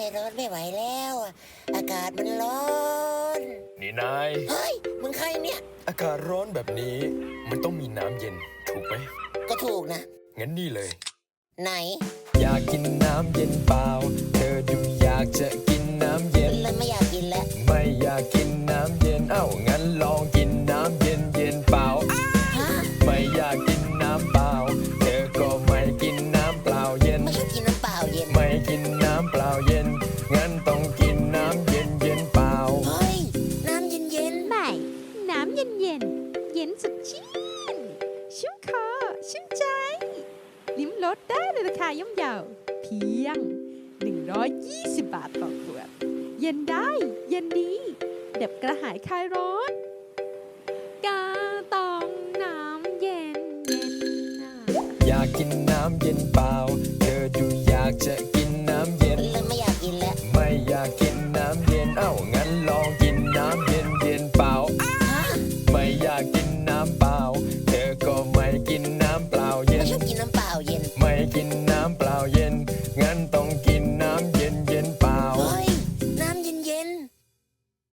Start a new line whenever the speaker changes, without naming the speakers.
ร้อนไม่ไหวแล้วอะอากาศมันร้อน
นี่นาย
เฮ้ย มึงใครเนี่ย
อากาศร้อนแบบนี้มันต้องมีน้ำเย็นถูกไหม
ก็ถูกนะ
งั้นนี่เลย
ไหน
อยากกินน้ำเย็นเปล่า เธอดูอยากจะกินน้ำเย็น
เลยไม่อยากกินแล้ว
ไม่อยากกินน้ำเย็น งั้นลองกินน้ำเย็นเย็นเปล่า
ฮะ
ไม่อยากกินน้ำเปล่า เธอก็ไม่กินน้ำเปล่าเย็น
ไม่ชอบกินน้ำเปล่าเย็น
ไม่กินน้ำเปล่าเย็น งั้นต้องกินน้ำเย็นเย็นเปล่า
เฮ้ย น้ำเย็นเย็น
ใหม่ น้ำเย็นเย็นเย็นสดชื่นชุ่มคอชุ่มใจ ลิ้มรสได้ในราคาย่อมเยาเพียง 120 บาทต่อขวด เย็นได้ เย็นดีเด็บกระหายคลายร้อน กาตองน้ำเย็นเย็นน่ะ
อยากกินน้ำเย็นเปล่า เธอดูอยากจะกิน